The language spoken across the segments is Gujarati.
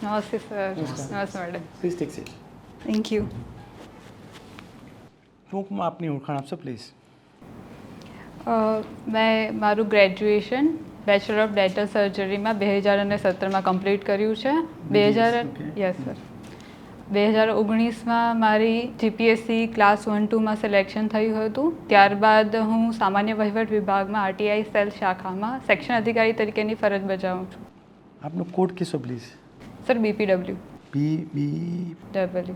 નમસ્તે સર. નમસ્તે madam. Please take seat. Thank you. ટૂંકમાં આપની ઓળખાણ આપશો પ્લીઝ. મેં મારું ગ્રેજ્યુએશન બેચલર ઓફ ડેન્ટલ સર્જરીમાં 2017માં કમ્પ્લીટ કર્યું છે. Yes sir. 2019માં મારી જીપીએસસી ક્લાસ 1-2માં સિલેક્શન થયું હતું. ત્યારબાદ હું સામાન્ય વહીવટ વિભાગમાં આરટીઆઈ સેલ શાખામાં સેક્શન અધિકારી તરીકેની ફરજ બજાવું છું. આપનો કોડ કહેશો please. Sir BPW. BBW.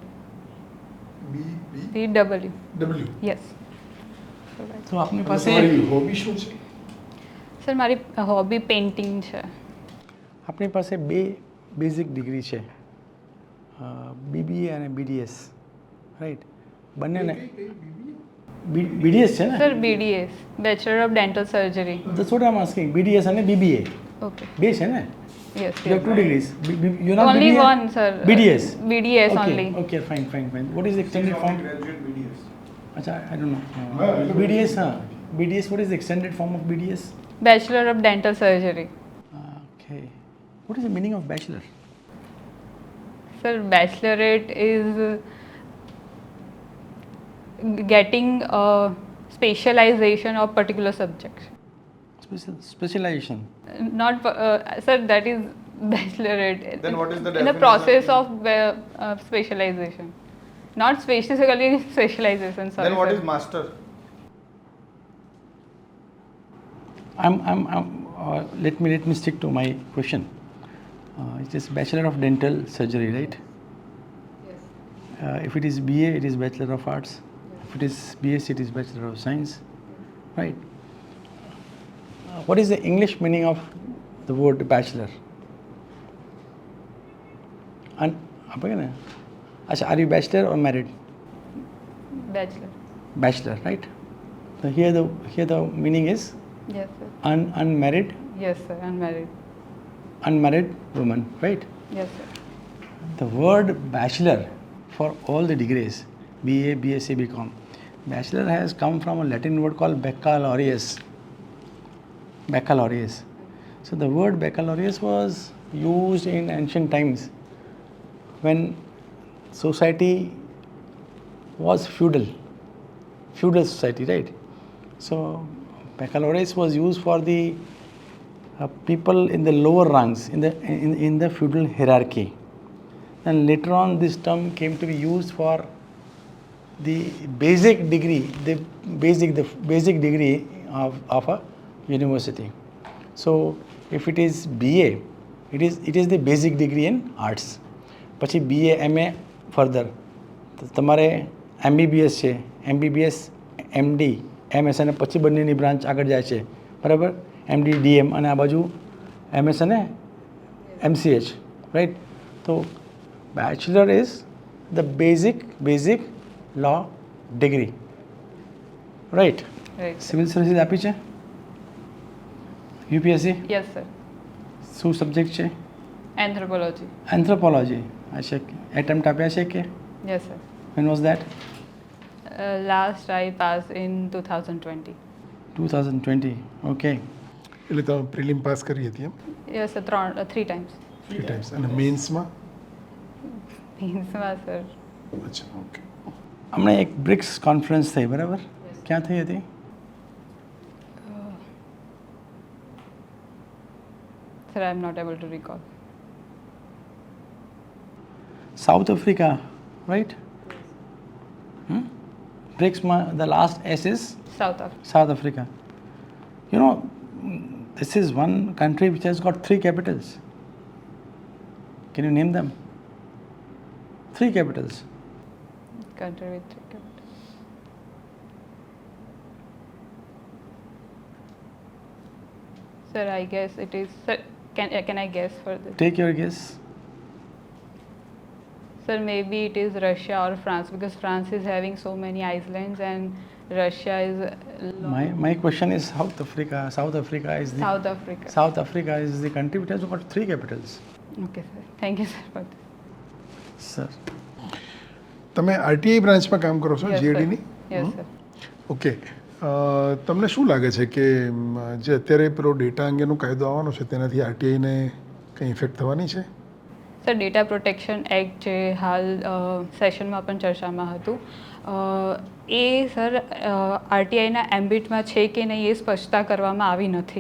PW. Yes. તો આપની પાસે હોબી શું છે? સર મારી હોબી પેઇન્ટિંગ છે. આપણી પાસે બે બેઝિક ડિગ્રી છે, BBA અને BDS, રાઈટ? બંનેને BDS છે ને? Sir BDS bachelor of dental surgery. That's what I'm asking. BDS અને BBA ઓકે. બે છે ને? Yes. You have 2 degrees. You're not Only BBA? one, sir. BDS. BDS Okay, only. okay, fine. What is the extended form? Graduate BDS. Acha, I don't know. BDS, BDS, what is the extended form of BDS? Bachelor of Dental Surgery. Okay. What is the meaning of bachelor? Sir, bachelorate is getting a specialization of particular subjects. Specialization. Not, sir, that is bachelorate. Then what is the in the definition? process of specialization. Not specifically specialization, sorry. Then what sir. is master? Let me stick to my question. It is Bachelor of Dental Surgery, right? Yes. If it is BA, it is Bachelor of Arts. If it is BSc, it is Bachelor of Science, right? What is the English meaning of the word bachelor? And Acha, are you bachelor or married? Bachelor. Bachelor, right? So here the meaning is Yes, sir. unmarried Yes, sir. unmarried woman, right? Yes, sir. The word bachelor for all the degrees, BA, BSc, BCom, bachelor has come from a Latin word called baccalaureus. Baccalaureus. So the word baccalaureus was used in ancient times when society was feudal society, right? So baccalaureus was used for the people in the lower ranks in the feudal hierarchy. And later on, this term came to be used for the basic degree, the basic degree of a university. So if it is BA, it is the basic degree in arts. પછી BA MA ફર્ધર તમારે MBBS છે, MBBS MD MS અને પછી બંનેની બ્રાન્ચ આગળ જાય છે, બરાબર? MD DM અને આ બાજુ MS અને MCH, રાઈટ? તો bachelor is the basic law degree, right? Right. Civil services આપી છે UPSC? Yes, sir. શું સબ્જેક્ટ છે? Anthropology. એન્થ્રોપોલોજી. અચ્છા, એટેમ્પ્ટ આપ્યા છે કે? Yes, sir. When was that? Last I passed in 2020. 2020. Okay. એટલે તમે પ્રિલિમ પાસ કરી હતી એમ? Yes, sir. Three times. 3 times અને મેન્સમાં? Means, sir. અચ્છા, ઓકે. હમણાં એક બ્રિક્સ કોન્ફરન્સ થઈ, બરાબર? ક્યાં થઈ હતી? Sir, I am not able to recall. South Africa, right? બ્રિક્સમાં the last S is South Africa. South Africa. You know, this is one country which has got 3 capitals. Can you name them? 3 capitals. Country with 3 capitals. Sir, I guess it is. Sir, can I guess for this? Take your guess. Sir, maybe it is Russia or France because France is having so many islands and Russia is. My question is South Africa. South Africa is the country which has got 3 capitals. Okay, sir. Thank you, sir, for this. Sir. તમે આરટીઆઈ બ્રાન્ચમાં કામ કરો છો, Yes, sir. જીએડીની? Yes, sir. ઓકે. તમને શું લાગે છે કે જે અત્યારે પેલો ડેટા અંગેનો કાયદો આવવાનો છે તેનાથી આરટીઆઈને કંઈ ઇફેક્ટ થવાની છે? સર ડેટા પ્રોટેક્શન એક્ટ જે હાલ સેશનમાં પણ ચર્ચામાં હતું એ સર આરટીઆઈના એમ્બિટમાં છે કે નહીં એ સ્પષ્ટતા કરવામાં આવી નથી.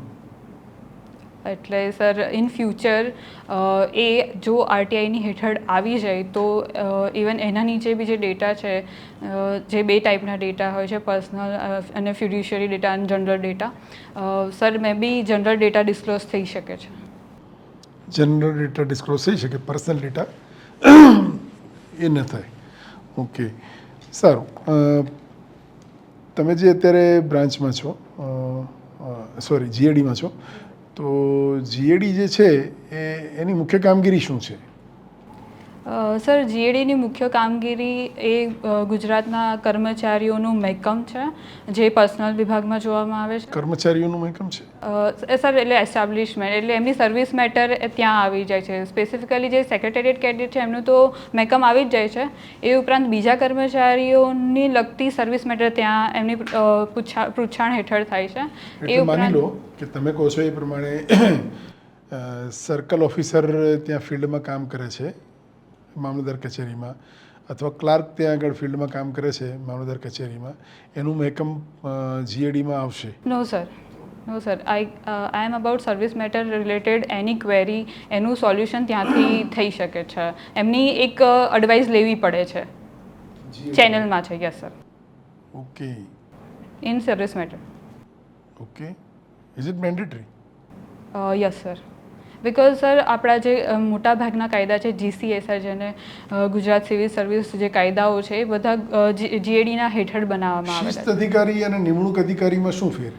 એટલે સર ઇન ફ્યુચર એ જો આરટીઆઈની હેઠળ આવી જાય તો ઇવન એના નીચે બી જે ડેટા છે જે 2 ટાઈપના ડેટા હોય છે, પર્સનલ અને ફ્યુડિશિયરી ડેટા અને general data, sir may be general data disclose થઈ શકે છે. જનરલ ડેટા ડિસ્ક્લોઝ થઈ શકે, પર્સનલ ડેટા એ ન થાય. ઓકે, સારું. તમે જે અત્યારે બ્રાન્ચમાં છો, સોરી જીએડીમાં છો, તો જીએડી જે છે એની મુખ્ય કામગીરી શું છે? સર જીએડીની મુખ્ય કામગીરી એ ગુજરાતના કર્મચારીઓનું મહેકમ છે જે પર્સનલ વિભાગમાં જોવામાં આવે છે. કર્મચારીઓનું મહેકમ છે સર એટલે એસ્ટાબ્લિશમેન્ટ એટલે એમની સર્વિસ મેટર ત્યાં આવી જાય છે. સ્પેસિફિકલી જે સેક્રેટેરિએટ કેડેટ છે એમનું તો મહેકમ આવી જ જાય છે. એ ઉપરાંત બીજા કર્મચારીઓની લગતી સર્વિસ મેટર ત્યાં એમની પૂછાણ હેઠળ થાય છે. એટલે માની લો કે તમે કહો છો એ પ્રમાણે સર્કલ ઓફિસર ત્યાં ફિલ્ડમાં કામ કરે છે મામલતદાર કચેરીમાં, અથવા ક્લાર્ક ત્યાં આગળ ફિલ્ડમાં કામ કરે છે મામલતદાર કચેરીમાં, એનું મહેકમ જીએડીમાં આવશે? No sir, no sir. I am about service matter related any query, એનું સોલ્યુશન ત્યાંથી થઈ શકે છે. એમની એક એડવાઇસ લેવી પડે છે ચેનલમાં છે. Yes sir. Okay. In service matter. Okay. Is it mandatory? Yes sir. Because sir આપણા જે મોટા ભાગના કાયદા છે જીસીએસઆર જેને ગુજરાત સિવિલ સર્વિસ જે કાયદાઓ છે એ બધા જીએડીના હેઠળ બનાવવામાં આવેલા છે. શિસ્ત અધિકારી અને નિમણૂક અધિકારીમાં શું ફેર?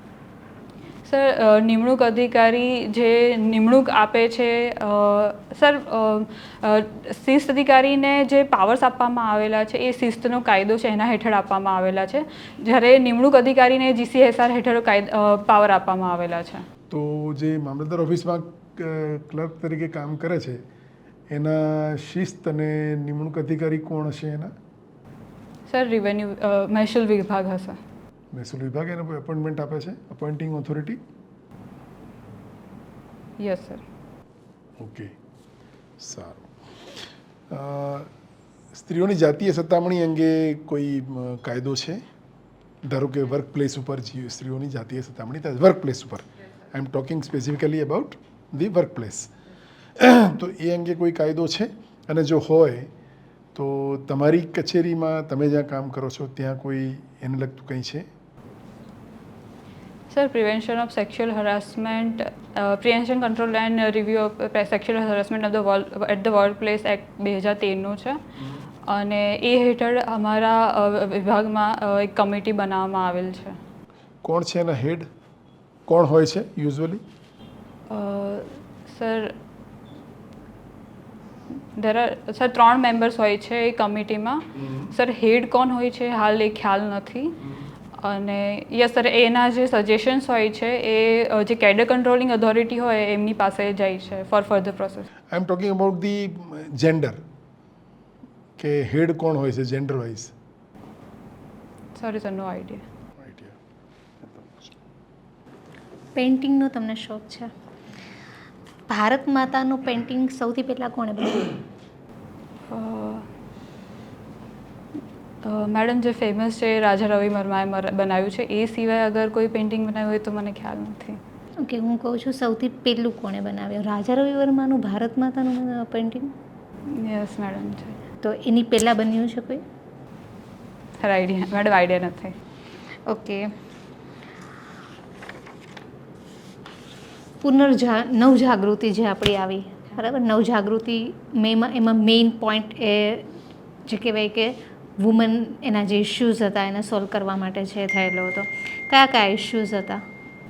સર નિમણૂક અધિકારી જે નિમણૂક આપે છે, સર શિસ્ત અધિકારીને જે પાવર્સ આપવામાં આવેલા છે એ શિસ્તનો કાયદો છે એના હેઠળ આપવામાં આવેલા છે, જ્યારે નિમણૂક અધિકારીને જીસીએસઆર હેઠળ પાવર આપવામાં આવેલા છે. તો જે મામલતદાર ઓફિસમાં ક્લર્ક તરીકે કામ કરે છે એના શિસ્ત અને નિમણૂક અધિકારી કોણ હશે એના? સર રેવન્યુ મહેસૂલ વિભાગ હશે. મહેસૂલ વિભાગ એને કોઈ એપોઇન્ટમેન્ટ આપે છે, appointing authority? Yes sir. Okay, સારું. સ્ત્રીઓની જાતીય સતામણી અંગે કોઈ કાયદો છે? ધારો કે વર્ક પ્લેસ ઉપર સ્ત્રીઓની જાતીય સતામણી થાય, વર્ક પ્લેસ ઉપર, I am talking specifically about the workplace, તો એ અંગે કોઈ કાયદો છે? અને જો હોય તો તમારી કચેરીમાં તમે જ્યાં કામ કરો છો ત્યાં કોઈ એને લગતું કંઈ છે? Sir prevention of sexual harassment, prevention control and review of sexual harassment at the workplace act 2013 છે, અને એ હેઠળ અમારા વિભાગમાં એક કમિટી બનાવવામાં આવેલ છે. કોણ છે એના હેડ? કોણ હોય છે યુઝ્યુઅલી? સર સર 3 મેમ્બર્સ હોય છે એ કમિટીમાં. સર હેડ કોણ હોય છે હાલ એ ખ્યાલ નથી. અને યસ સર એના જે સજેશન્સ હોય છે એ જે કેડર કંટ્રોલિંગ ઓથોરિટી હોય એમની પાસે જાય છે for further process. I am talking about the gender, કે હેડ કોણ હોય છે gender wise? Sorry sir, no idea. પેઇન્ટિંગનો તમને શોખ છે. ભારત માતાનું પેઇન્ટિંગ સૌથી પહેલાં કોણે બનાવ્યું? મેડમ જે ફેમસ છે રાજા રવિ વર્માએ બનાવ્યું છે. એ સિવાય અગર કોઈ પેઇન્ટિંગ બનાવ્યું હોય તો મને ખ્યાલ નથી. ઓકે, હું કહું છું સૌથી પહેલું કોણે બનાવ્યું રાજા રવિ વર્માનું ભારત માતાનું પેઇન્ટિંગ? યસ મેડમ છે. તો એની પહેલાં બન્યું છે કોઈ? સર આઈડિયા મેડમ આઈડિયા નથી. ઓકે. નવજાગૃતિ જે આપણી આવી, બરાબર, નવજાગૃતિ એમાં મેઇન પોઈન્ટ એ જે કહેવાય કે વુમન એના જે ઇશ્યુઝ હતા એને સોલ્વ કરવા માટે છે થયેલો હતો. કયા ઇશ્યુઝ હતા?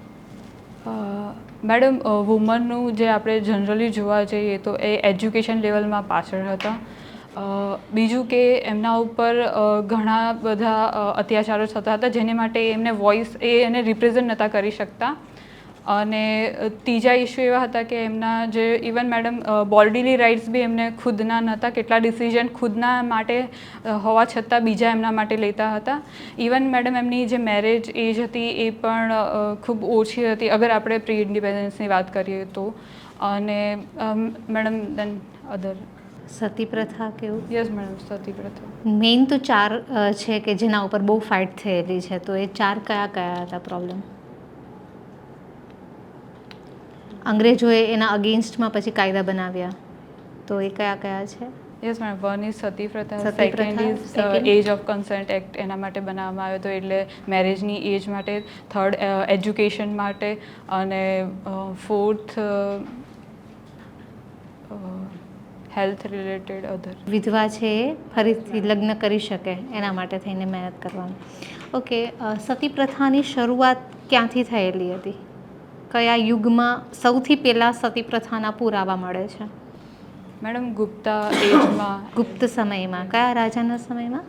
મેડમ વુમનનું જે આપણે જનરલી જોવા જઈએ તો એ એજ્યુકેશન લેવલમાં પાછળ હતા. બીજું કે એમના ઉપર ઘણા બધા અત્યાચારો થતા હતા જેને માટે એમને વોઇસ એને રિપ્રેઝન્ટ નહોતા કરી શકતા. અને ત્રીજા ઇસ્યુ એવા હતા કે એમના જે ઇવન મેડમ બોડીલી રાઇટ્સ બી એમને ખુદના નહોતા, કેટલા ડિસિઝન ખુદના માટે હોવા છતાં બીજા એમના માટે લેતા હતા. ઇવન મેડમ એમની જે મેરેજ એજ હતી એ પણ ખૂબ ઓછી હતી અગર આપણે પ્રી ઇન્ડિપેન્ડન્સની વાત કરીએ તો. અને મેડમ દેન અધર સતી પ્રથા કેવું? યસ મેડમ, સતી પ્રથા. મેઇન તો 4 છે કે જેના ઉપર બહુ ફાઇટ થયેલી છે, તો એ 4 કયા કયા હતા પ્રોબ્લેમ? અંગ્રેજોએ એના અગેન્સ્ટમાં પછી કાયદા બનાવ્યા, તો એ કયા કયા છે? Yes madam, one is sati પ્રથા, સતી સેકન્ડ પ્રથા, is second? Age of consent act, એના માટે બનાવવામાં આવ્યો હતો, એટલે મેરેજની એજ માટે. થર્ડ એજ્યુકેશન માટે. અને ફોર્થ હેલ્થ રિલેટેડ અધર. વિધવા છે એ ફરીથી લગ્ન કરી શકે એના માટે થઈને મહેનત કરવાની. ઓકે, સતી પ્રથાની શરૂઆત ક્યાંથી થયેલી હતી? કયા યુગમાં સૌથી પહેલાં સતી પ્રથાના પુરાવા મળે છે? મેડમ ગુપ્તા એજમાં. ગુપ્ત સમયમાં. કયા રાજાના સમયમાં?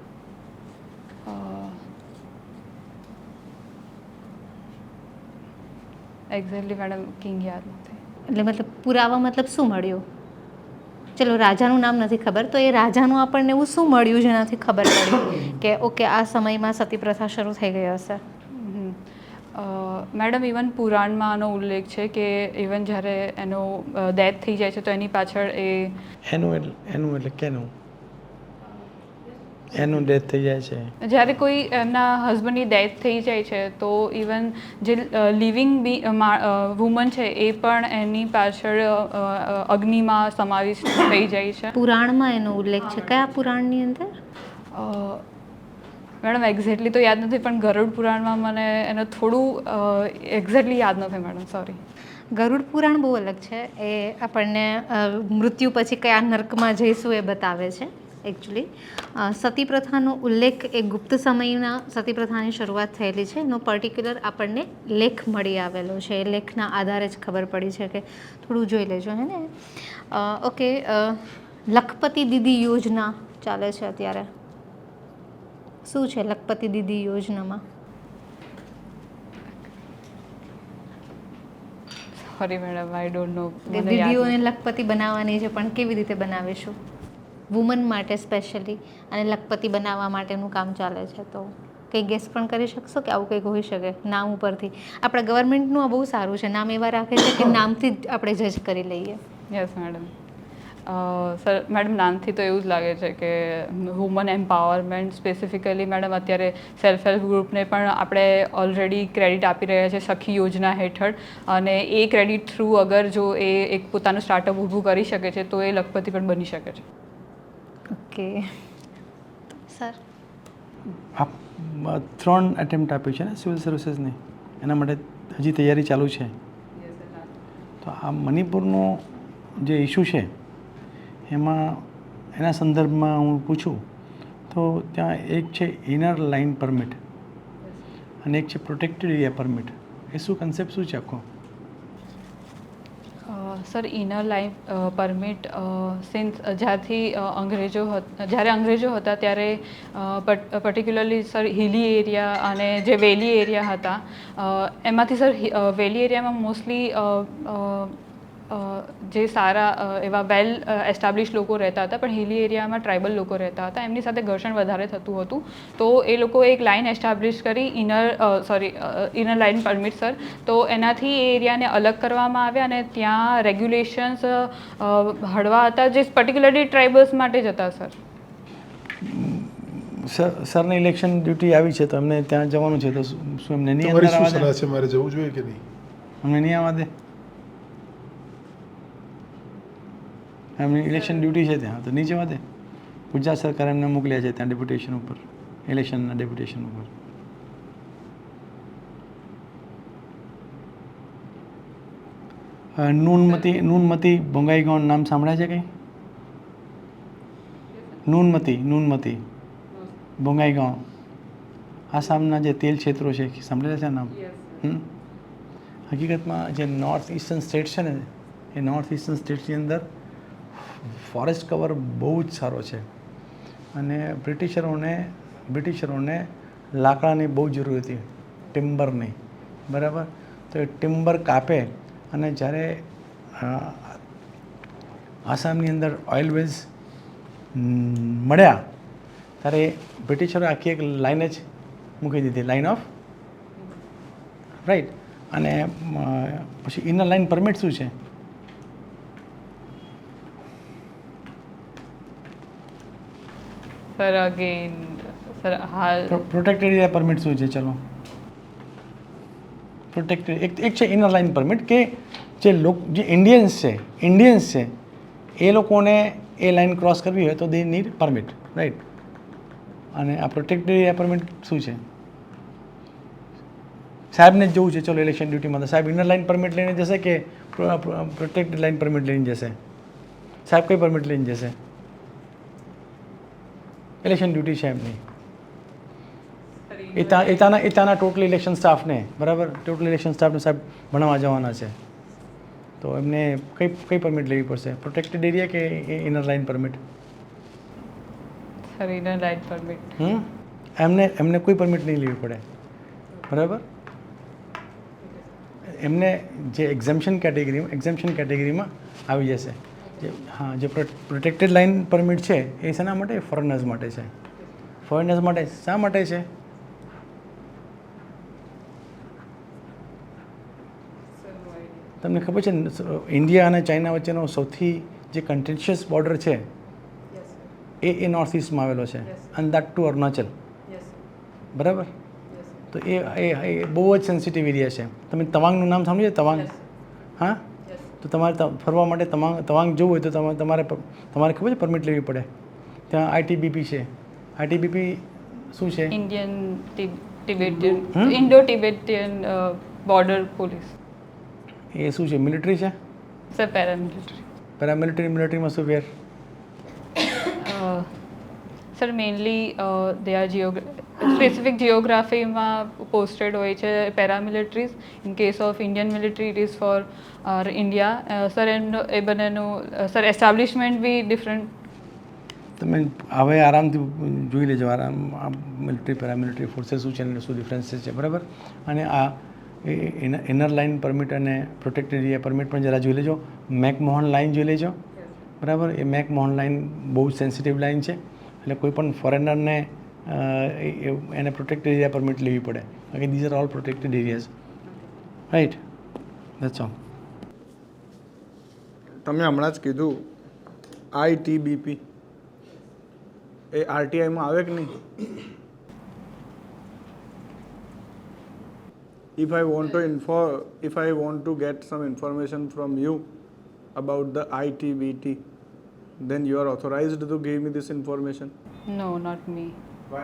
એક્ઝેક્ટલી મેડમ કિંગ યાદ નથી. એટલે મતલબ પુરાવા મતલબ શું મળ્યું? ચલો રાજાનું નામ નથી ખબર, તો એ રાજાનું આપણને એવું શું મળ્યું જેનાથી ખબર પડી કે ઓકે આ સમયમાં સતી પ્રથા શરૂ થઈ ગઈ હશે? મેડમ ઇવન પુરાણમાં આનો ઉલ્લેખ છે કે ઇવન જ્યારે એનો ડેથ થઈ જાય છે તો એની પાછળ એનું એટલે કેનું એનું ડેથ થઈ જાય છે? જ્યારે કોઈ એમના હસબન્ડની ડેથ થઈ જાય છે તો ઇવન જે લિવિંગ વુમન છે એ પણ એની પાછળ અગ્નિમાં સમાવેશ થઈ જાય છે. પુરાણમાં એનો ઉલ્લેખ છે. કયા પુરાણની અંદર? મેડમ એક્ઝેક્ટલી તો યાદ નથી, પણ ગરુડ પુરાણમાં મને એનો થોડું એક્ઝેક્ટલી યાદ નથી મેડમ, સોરી. ગરુડ પુરાણ બહુ અલગ છે. એ આપણને મૃત્યુ પછી કયા નર્કમાં જઈશું એ બતાવે છે એકચ્યુઅલી. સતી પ્રથાનો ઉલ્લેખ એ ગુપ્ત સમયના સતી પ્રથાની શરૂઆત થયેલી છે એનો પર્ટિક્યુલર આપણને લેખ મળી આવેલો છે. એ લેખના આધારે જ ખબર પડી છે કે થોડું જોઈ લેજો હે ને. ઓકે, લખપતિ દીદી યોજના ચાલે છે અત્યારે. શું છે લખપતિ દીદી યોજનામાં? Sorry madam, I don't know. દીદીઓને લખપતિ બનાવવાની છે, પણ કેવી રીતે બનાવીશું? વુમન માટે સ્પેશિયલી અને લખપતિ બનાવવા માટેનું કામ ચાલે છે, તો કંઈ ગેસ પણ કરી શકશો કે આવું કંઈક હોઈ શકે નામ ઉપરથી? આપણા ગવર્મેન્ટનું આ બહુ સારું છે, નામ એવા રાખે છે કે નામથી જ આપણે જજ કરી લઈએ. Yes madam. સર મેડમ નામથી તો એવું જ લાગે છે કે વુમન એમ્પાવરમેન્ટ સ્પેસિફિકલી મેડમ અત્યારે સેલ્ફ હેલ્પ ગ્રુપને પણ આપણે ઓલરેડી ક્રેડિટ આપી રહ્યા છે સખી યોજના હેઠળ, અને એ ક્રેડિટ થ્રુ અગર જો એ એક પોતાનું સ્ટાર્ટઅપ ઊભું કરી શકે છે તો એ લખપતિ પણ બની શકે છે. ઓકે સર, આપ 3 એટેમ્પ્ટ આપ્યું છે ને સિવિલ સર્વિસીસની, એના માટે હજી તૈયારી ચાલુ છે. તો આ મણિપુરનો જે ઇસ્યુ છે એમાં એના સંદર્ભમાં હું પૂછું તો ત્યાં એક છે ઇનર લાઇન પરમિટ અને એક છે પ્રોટેક્ટેડ એરિયા પરમિટ. એ શું કન્સેપ્ટ શું છે આખો? Sir inner line permit since જ્યારે અંગ્રેજો હતા ત્યારે પર્ટિક્યુલરલી સર હિલી એરિયા અને જે વેલી એરિયા હતા એમાંથી સર વેલી એરિયામાં મોસ્ટલી જે સારા એવા વેલ એસ્ટાબ્લિશ લોકો રહેતા હતા, પણ હિલી એરિયામાં ટ્રાઇબલ લોકો રહેતા હતા, એમની સાથે ઘર્ષણ વધારે થતું હતું. તો એ લોકો એક લાઇન એસ્ટાબ્લિશ કરી ઇનર લાઇન પરમિટ સર, તો એનાથી એ એરિયાને અલગ કરવામાં આવ્યા અને ત્યાં રેગ્યુલેશન્સ હળવા હતા જે પર્ટિક્યુલરલી ટ્રાઇબલ્સ માટે જ હતા. સરને ઇલેક્શન ડ્યુટી આવી છે તો એમને ત્યાં જવાનું છે, તો શું એમને નહીં તમારી શું આવવા સલાહ દે? છે, મારે જવું જોઈએ કે નહીં? અમને નહીં આવવા દે? એમની ઇલેક્શન ડ્યુટી છે ત્યાં, તો નહીં જવા દે? ગુજરાત સરકાર એમને મોકલ્યા છે ત્યાં ડેપ્યુટેશન ઉપર, ઇલેક્શનના ડેપ્યુટેશન ઉપર. નૂનમતી બોંગાઈગાંવ નામ સાંભળ્યા છે કંઈ? નૂનમતી બોંગાઈગાંવ આસામના જે તેલ ક્ષેત્રો છે સાંભળેલા છે નામ? હકીકતમાં જે નોર્થ ઇસ્ટર્ન સ્ટેટ છે ને એ નોર્થ ઇસ્ટર્ન સ્ટેટ્સની અંદર ફોરેસ્ટ કવર બહુ જ સારો છે, અને બ્રિટિશરોને લાકડાની બહુ જરૂર હતી, ટિમ્બરની, બરાબર. તો એ ટિમ્બર કાપે અને જ્યારે આસામની અંદર ઓઇલ વેલ્સ મળ્યા ત્યારે બ્રિટિશરોએ આખી એક લાઈન જ મૂકી દીધી, લાઇન ઓફ રાઈટ. અને પછી ઇનર લાઇન પરમિટ શું છે? સર અગેન સર હાલ પ્રોટેક્ટેડ એરિયા પરમિટ શું છે? ચલો, પ્રોટેક્ટેડ એક છે ઇનર લાઇન પરમિટ કે જે ઇન્ડિયન્સ છે એ લોકોને એ લાઇન ક્રોસ કરવી હોય તો દે નીડ પરમિટ, રાઈટ. અને આ પ્રોટેક્ટેડ એરિયા પરમિટ શું છે? સાહેબને જ જોવું છે, ચલો ઇલેક્શન ડ્યુટીમાં, તો સાહેબ ઇનર લાઇન પરમિટ લઈને જશે કે પ્રોટેક્ટેડ લાઇન પરમિટ લઈને જશે? સાહેબ કઈ પરમિટ લઈને જશે? ઇલેક્શન ડ્યુટી છે એમની. એ ત્યાંના ટોટલ ઇલેક્શન સ્ટાફને, બરાબર, ટોટલ ઇલેક્શન સ્ટાફને સાહેબ ભણાવવા જવાના છે, તો એમને કઈ પરમિટ લેવી પડશે? પ્રોટેક્ટેડ એરિયા કે inner line permit? Sir inner line permit. એમને કોઈ પરમિટ નહીં લેવી પડે, બરાબર. એમને જે એક્ઝમ્પશન કેટેગરીમાં આવી જશે. હા, જે પ્રોટેક્ટેડ લાઇન પરમિટ છે એ શેના માટે? ફોરેનર્સ માટે છે. ફોરેનર્સ માટે શા માટે છે? તમને ખબર છે ઇન્ડિયા અને ચાઇના વચ્ચેનો સૌથી જે કન્ટેન્શિયસ બોર્ડર છે એ નોર્થ ઇસ્ટમાં આવેલો છે, અને દેટ ટુ અરુણાચલ, બરાબર. તો એ બહુ જ સેન્સિટિવ એરિયા છે. તમે તવાંગનું નામ સાંભળ્યું છે? તવાંગ, હા. તો તમારે ફરવા માટે તવાંગ જવું હોય તો તમારે ખબર છે પરમિટ લેવી પડે. ત્યાં આઈટીબીપી છે. આઈટીબીપી શું છે? Indo Tibetan border police. એ શું છે? મિલિટરી છે? Sir paramilitary. મિલિટરીમાં શું ફેર? Sir mainly they are specific જિયોગ્રાફીમાં પોસ્ટેડ હોય છે paramilitaries. In case of Indian military it is for India. Sir એ બંનેનું સર એસ્ટાબ્લિશમેન્ટ બી ડિફરન્ટ. તમે હવે આરામથી જોઈ લેજો, મિલિટરી પેરામિલિટરી ફોર્सेस શું છે અને શું ડિફરન્સીસ છે, બરાબર. અને આ ઇનર લાઇન પરમિટ અને પ્રોટેક્ટેડ એરિયા પરમિટ પણ જરા જોઈ લેજો. મેકમોહન લાઇન જોઈ લેજો, બરાબર. એ મેકમોહન લાઇન બહુ જ સેન્સિટિવ લાઇન છે, એટલે કોઈ પણ ફોરેનરને એને પ્રોટેક્ટેડ એરિયા પરમિટ લેવી પડે. બાકી these are all protected areas, right. That's all. તમે હમણાં જ કીધું આઈટીબીપી, એ આરટીઆઈમાં આવે કે નહીં? If I want to get some information from you about the ITBT, then you are authorized to give me this information? No, not me. Why?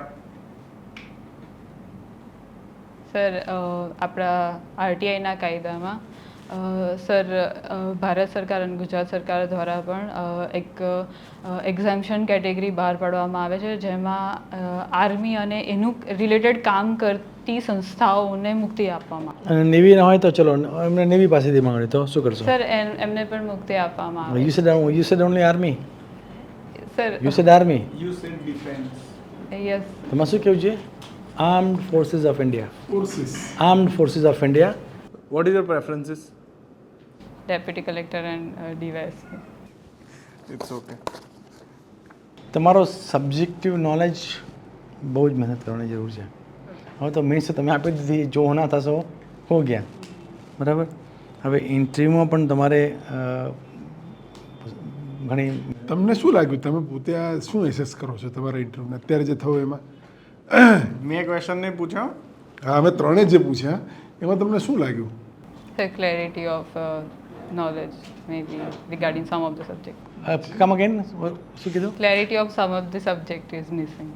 Sir આપણા આરટીઆઈના કાયદામાં સર ભારત સરકાર અને ગુજરાત સરકાર દ્વારા પણ એક એક્ઝામ્પશન કેટેગરી બહાર પાડવામાં આવે છે, જેમાં આર્મી અને એનું રિલેટેડ કામ કરતી સંસ્થાઓને મુક્તિ આપવામાં આવે. અને નેવી ના હોય તો ચલો એમને નેવી પાસેથી માંગણી, તો શું કરશો? સર એમને પણ મુક્તિ આપવામાં આવે. You said only army. Sir You said army. You said defense. Yes. તમારે શું કહેવું છે? Armed forces of India. Armed forces of India. What is your preferences? Deputy collector and DYSP. It's okay. તમારો સબ્જેક્ટિવ નોલેજ બહુ જ મહેનત કરવાની જરૂર છે. હવે તો મીન્સ તમે આપી દીધી, જો ના થશો હો ગયા, બરાબર. હવે ઇન્ટરવ્યૂમાં પણ તમારે ઘણી. તમને શું લાગ્યું? તમે પોતે આ શું એસેસ કરો છો તમારા ઇન્ટરવ્યૂને અત્યારે જે થયો એમાં? મેં ક્વેશ્ચન નહીં પૂછ્યો. હા, અમે ત્રણેય જે પૂછ્યા એમાં તમને શું લાગ્યું? Sir clarity of knowledge maybe regarding some of the subject. Come again, શું કીધું? Clarity of some of the subject is missing.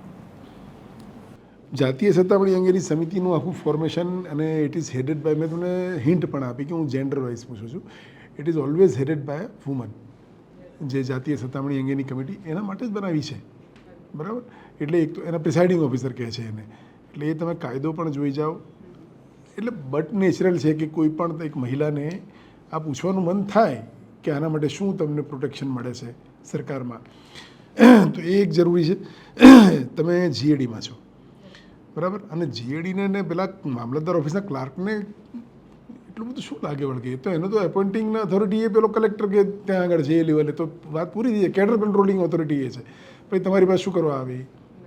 જાતીય સત્તામણી અંગેની સમિતિનું આખું ફોર્મેશન અને ઇટ ઇઝ હેડેડ બાય, મેં તમને હિન્ટ પણ આપી કે હું જેન્ડર વાઇઝ પૂછું છું. It is always headed by woman. જે જાતીય સત્તામણી અંગેની કમિટી એના માટે જ બનાવી છે, બરાબર. એટલે એક તો એના પ્રિસાઇડિંગ ઓફિસર કહે છે એને, એટલે એ તમે કાયદો પણ જોઈ જાઓ. એટલે બટ નેચરલ છે કે કોઈ પણ એક મહિલાને આ પૂછવાનું મન થાય કે આના માટે શું તમને પ્રોટેક્શન મળે છે સરકારમાં, તો એ એક જરૂરી છે. તમે જીએડીમાં છો, બરાબર, અને જીએડીને પેલા મામલતદાર ઓફિસના ક્લાર્કને એટલું બધું શું લાગે વળગે? તો એનો તો એપોઇન્ટિંગના ઓથોરિટી એ પેલો કલેક્ટર કે ત્યાં આગળ જે લેવલે તો વાત પૂરી થઈ જાય. કેડર કંટ્રોલિંગ ઓથોરિટી એ છે. પછી તમારી પાસે શું કરવા આવે?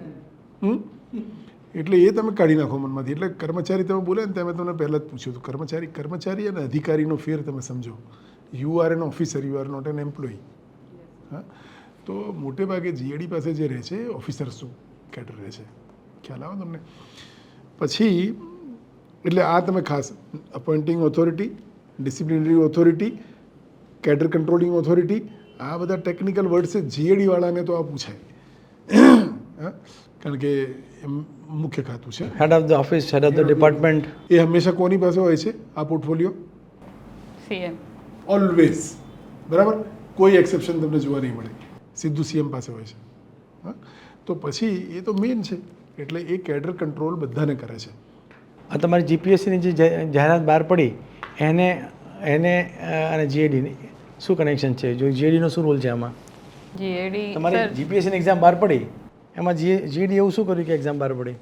એટલે એ તમે કાઢી નાખો મનમાંથી. એટલે કર્મચારી તમે બોલે ને ત્યાં મેં તમને પહેલાં જ પૂછ્યું હતું, કર્મચારી અને અધિકારીનો ફેર તમે સમજો. You are an officer, you are not an employee. હા, તો મોટે ભાગે જીએડી પાસે જે રહે છે ઓફિસર્સનું કેડર રહે છે. ખ્યાલ આવે તમને? પછી એટલે આ તમે ખાસ appointing authority, disciplinary authority, cadre controlling authority, આ બધા ટેકનિકલ વર્ડ છે. જીએડી વાળાને તો આ પૂછાય, હા, કારણ કે એમ મુખ્ય ખાતું છે. Head of the office, head of the department. એ હંમેશા કોની પાસે હોય છે આ પોર્ટફોલિયો? સીએમ. ઓલવેઝ. બરાબર, કોઈ એક્સેપ્શન તમને જોવા નહીં મળે. સીધું સીએમ પાસે હોય છે. હા, તો પછી એ તો મેઇન છે. એટલે એ કેડર કંટ્રોલ બધાને કરે છે. આ તમારી જીપીએસસીની જે જાહેરાત બહાર પડી એને અને જીએડીની શું કનેક્શન છે? જો જીએડીનો શું રોલ છે આમાં? જીએડી તમારી જીપીએસસીની એક્ઝામ બહાર પડી એમાં જીએડી એવું શું કર્યું કે એક્ઝામ બહાર પડી?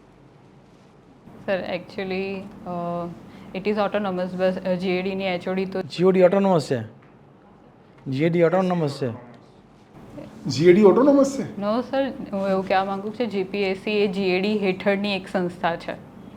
Sir actually it is autonomous. બસ જીએડીની એચઓડી તો જીઓડી ઓટોનોમસ છે? જીએડી ઓટોનોમસ છે? જીએડી ઓટોનોમસ છે? નો સર, હું એવું કહેવા માંગુ છું જીપીએસસી એ જીએડી હેઠળની એક સંસ્થા છે.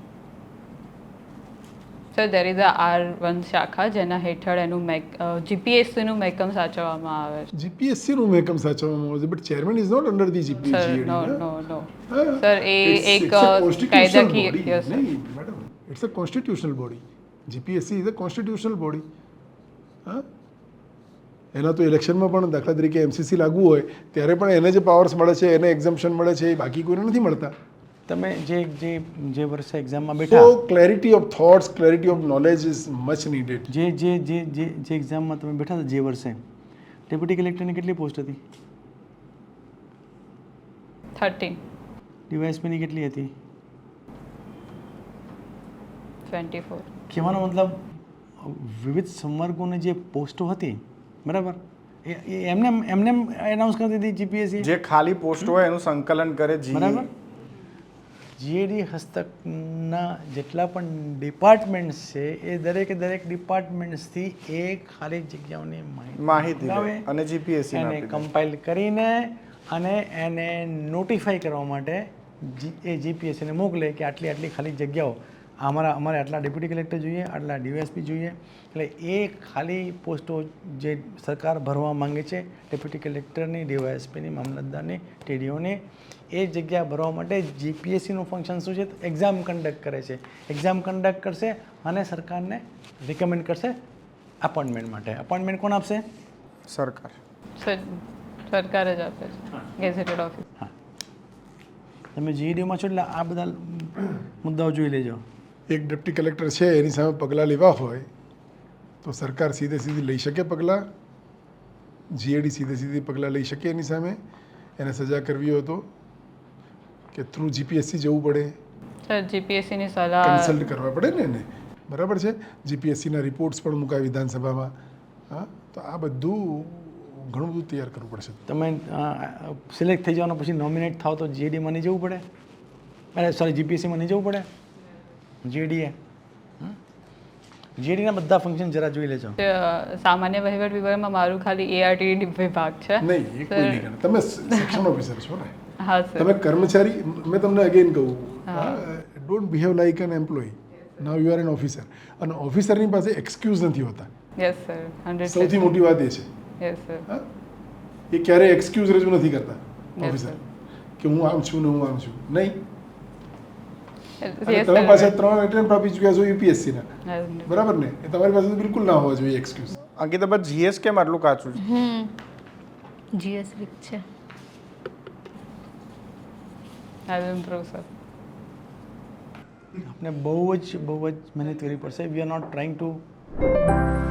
Sir there is a R1 શાખા જેના હેઠળ એનું જીપીએસસીનું મહેકમ સાચવવામાં આવે છે. જીપીએસસીનું મહેકમ સાચવવામાં આવે છે, but chairman is not under the sir GPSC. No no no sir, એ એક કાયદાકીય yes sir. Madam, it's a constitutional body. GPSC is a constitutional body. હા, એના તો ઇલેક્શનમાં પણ દાખલા તરીકે એમસીસી લાગુ હોય ત્યારે પણ એને જે પાવર્સ મળે છે, એને એક્ઝમ્પશન મળે છે, એ બાકી કોઈને નથી મળતા. તમે જે વર્ષે એક્ઝામમાં So બેઠા, clarity of thoughts, clarity of knowledge is much needed. જે એક્ઝામમાં તમે બેઠા હતા જે વર્ષે, ડેપ્યુટી કલેક્ટરની કેટલી પોસ્ટ હતી? 13. ડીવાયએસપીની કેટલી હતી? 24. કહેવાનો મતલબ વિવિધ સંવર્ગોની જે પોસ્ટો હતી, બરાબર, એ એમને એનાઉન્સ કરી દીધી જીપીએસસી. જે ખાલી પોસ્ટ હોય એનું સંકલન કરે બરાબર. જીએડી હસ્તકના જેટલા પણ ડિપાર્ટમેન્ટ્સ છે એ દરેક ડિપાર્ટમેન્ટ્સથી એ ખાલી જગ્યાઓની માહિતી લે લાવે અને જીપીએસસી એને કમ્પાઇલ કરીને અને એને નોટિફાઈ કરવા માટે એ જીપીએસસીને મોકલે કે આટલી ખાલી જગ્યાઓ અમારે આટલા ડેપ્યુટી કલેક્ટર જોઈએ, આટલા ડીવાયએસપી જોઈએ. એટલે એ ખાલી પોસ્ટો જે સરકાર ભરવા માંગે છે, ડેપ્યુટી કલેક્ટરની, ડીવાયએસપીની, મામલતદારની, ટીડીઓની, એ જગ્યા ભરવા માટે જીપીએસસીનું ફંક્શન શું છે? એક્ઝામ કન્ડક્ટ કરે છે. એક્ઝામ કન્ડક્ટ કરશે અને સરકારને રિકમેન્ડ કરશે અપોઇન્ટમેન્ટ માટે. અપોઇન્ટમેન્ટ કોણ આપશે? સરકાર. સર સરકાર જ આપે છે, ગેઝેટેડ ઓફિસ. હા, તમે જીઈડીમાં છો એટલે આ બધા મુદ્દાઓ જોઈ લેજો. એક ડેપ્ટી કલેક્ટર છે, એની સામે પગલાં લેવા હોય તો સરકાર સીધી લઈ શકે પગલાં. જીએડી સીધી પગલાં લઈ શકે એની સામે. એને સજા કરવી હોય તો કે થ્રુ જીપીએસસી જવું પડે, સર જીપીએસસીની સલાહ કન્સલ્ટ કરવા પડે ને એને. બરાબર છે? જીપીએસસીના રિપોર્ટ્સ પણ મુકાય વિધાનસભામાં. હા, તો આ બધું ઘણું બધું તૈયાર કરવું પડશે. તમે સિલેક્ટ થઈ જવાનો પછી નોમિનેટ થાવ તો જીએડીમાં નહીં જવું પડે? અરે સોરી, જીપીએસસીમાં નહીં જવું પડે? જીએડીએ જીએડીના બધા ફંક્શન જરા જોઈ લેજો. સામાન્ય વહીવટ વિભાગમાં મારું ખાલી એઆરટી વિભાગ છે. નહીં, એ કોઈ નહીં કરે. તમે સેક્શન ઓફિસર છો ને? હા સર. તમે કર્મચારી, મેં તમને અગેન કહું, don't behave like an employee. Now you are an officer. અને ઓફિસરની પાસે એક્સક્યુઝ નથી હોતા. Yes sir, 100%. સૌથી મોટી વાત એ છે. Yes sir. હા, એ ક્યારેય એક્સક્યુઝ રજૂ નથી કરતા Yes, ઓફિસર, sir. કે હું આમ છું ને હું આમ છું. નહીં. અને Yes, તમે sir. પાછા 3 એટેમ્પ્ટ આપી ચૂક્યા છો યુપીએસસીના. Yes, બરાબર ને? એ તમારી પાસે તો બિલકુલ ના હોવા જોઈએ એક્સક્યુઝ. અંકિતા, બટ જીએસ કેમ આટલું કાચું છે? જીએસ વીક છે. I will improve, sir. આપણે બહુ જ મહેનત કરવી પડશે. We are not trying two